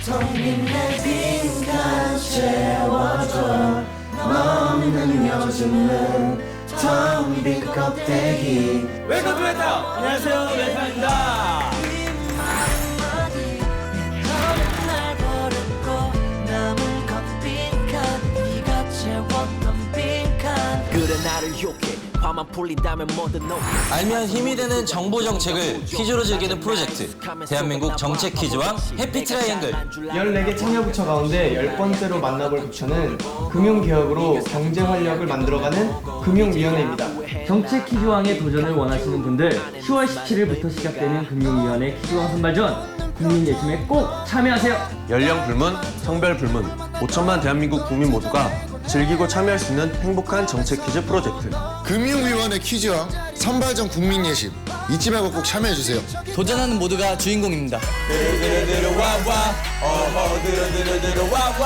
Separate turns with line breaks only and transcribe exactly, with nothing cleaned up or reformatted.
텅 빈 내 빈칸 채워줘 너는 요즘은 텅 빈 껍데기.
웰컴 투 메타! 안녕하세요, 메타입니다.
알면 힘이 되는 정보 정책을 퀴즈로 즐기는 프로젝트 대한민국 정책 퀴즈왕 해피 트라이앵글.
열네 개 참여부처 가운데 열 번째로 만나볼 부처는 금융개혁으로 경제 활력을 만들어가는 금융위원회입니다.
정책 퀴즈왕의 도전을 원하시는 분들 시월 십칠일부터 시작되는 금융위원회 퀴즈왕 선발전 국민 예심에 꼭 참여하세요.
연령 불문, 성별 불문, 오천만 대한민국 국민 모두가 즐기고 참여할 수 있는 행복한 정책 퀴즈 프로젝트.
금융위원회 퀴즈왕 선발전 국민 예심 잊지 말고 꼭 참여해주세요.
도전하는 모두가 주인공입니다.
드르드르드르 와와 어허 드르드르드르 와와